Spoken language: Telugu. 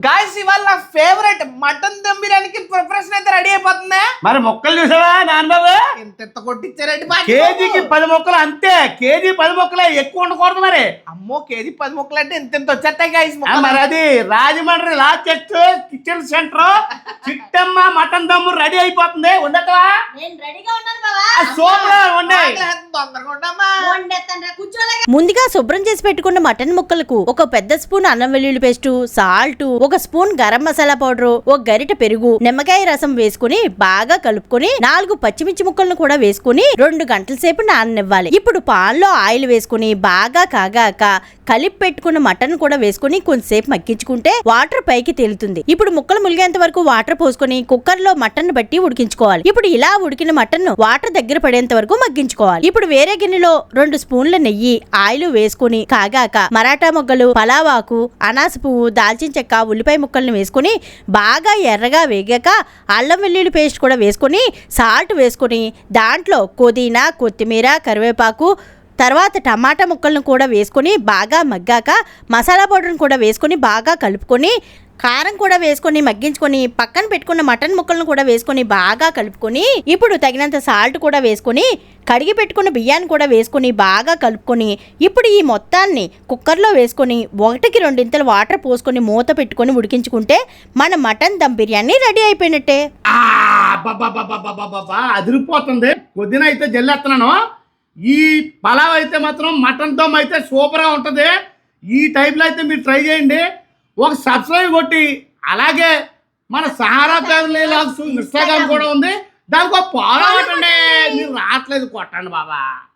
గాయ్స్ ఇవాళ నా ఫేవరెట్ మటన్ దమ్ బిర్యానీకి ప్రిపరేషన్ అయితే రెడీ అయిపోతుంది. మరి మొక్కలు చూసావా నాన్నబాబు? ఎంత కొట్టించారండి కేజీకి 10 మొక్కలు అంతే. కేజీ 10 మొక్కలే, ఎక్కువ ఉండకూడదు. మరి అమ్మో కేజీ 10 మొక్కలు అంటే ఎంత వచ్చేస్తాయి గాయ్స్. మరి అది రాజమండ్రి లాచెస్ట్ kitchen centre Chittamma mutton dum ready అయిపోతుంది. ఉండటవా? ముందుగా శుభ్రం చేసి పెట్టుకున్న మటన్ ముక్కలకు ఒక పెద్ద స్పూన్ అల్లం వెల్లుల్లి పేస్ట్, సాల్ట్, ఒక స్పూన్ గరం మసాలా పౌడర్, ఒక గరిట పెరుగు, నిమ్మకాయ రసం వేసుకుని బాగా కలుపుకొని 4 పచ్చిమిర్చి ముక్కలను కూడా వేసుకుని 2 గంటల సేపు నాననివ్వాలి. ఇప్పుడు పాన్ లో ఆయిల్ వేసుకుని బాగా కాగాక కలిపి పెట్టుకున్న మటన్ కూడా వేసుకుని కొంచెంసేపు మగ్గించుకుంటే వాటర్ పైకి తేలుతుంది. ఇప్పుడు ముక్కలు ములిగేంత వరకు వాటర్ పోసుకొని కుక్కర్ లో మటన్ బట్టి ఉడికించుకోవాలి. ఇప్పుడు ఇలా ఉడికిన మటన్ వాటర్ దగ్గర పడేంత వరకు మగ్గించుకోవాలి. ఇప్పుడు వేరే గిన్నెలో 2 స్పూన్ల నెయ్యి, ఆయిల్ వేసుకుని కాగాక మరాఠా మొగ్గలు, పలావాకు, అనాస పువ్వు, దాల్చిన చెక్క, ఉల్లిపాయ ముక్కల్ని వేసుకుని బాగా ఎర్రగా వేగాక అల్లం వెల్లుల్లి పేస్ట్ కూడా వేసుకుని సాల్ట్ వేసుకుని దాంట్లో పుదీనా, కొత్తిమీర, కరివేపాకు, తర్వాత టమాటా ముక్కలను కూడా వేసుకొని బాగా మగ్గాక మసాలా పౌడర్ని కూడా వేసుకొని బాగా కలుపుకొని కారం కూడా వేసుకొని మగ్గించుకొని పక్కన పెట్టుకున్న మటన్ ముక్కలను కూడా వేసుకొని బాగా కలుపుకొని ఇప్పుడు తగినంత సాల్ట్ కూడా వేసుకొని కడిగి పెట్టుకున్న బియ్యాన్ని కూడా వేసుకొని బాగా కలుపుకొని ఇప్పుడు ఈ మొత్తాన్ని కుక్కర్లో వేసుకొని 1కి 2 ఇంతలు వాటర్ పోసుకొని మూత పెట్టుకొని ఉడికించుకుంటే మన మటన్ దమ్ బిర్యానీ రెడీ అయిపోయినట్టే. అదిరిపోతుంది. పొద్దున అయితే జల్లేస్తున్నాను. ఈ పలావ్ అయితే మాత్రం మటన్ దమ్ అయితే సూపర్గా ఉంటుంది. ఈ టైప్లో అయితే మీరు ట్రై చేయండి. ఒక సబ్స్క్రైబ్ కొట్టి అలాగే మన సహారా ఫ్యామిలీ లాగ్స్ ఇన్స్టాగ్రామ్ కూడా ఉంది, దానికి ఒక ఫాలో అవ్వండి. మీరు రావట్లేదు కొట్టండి బాబా.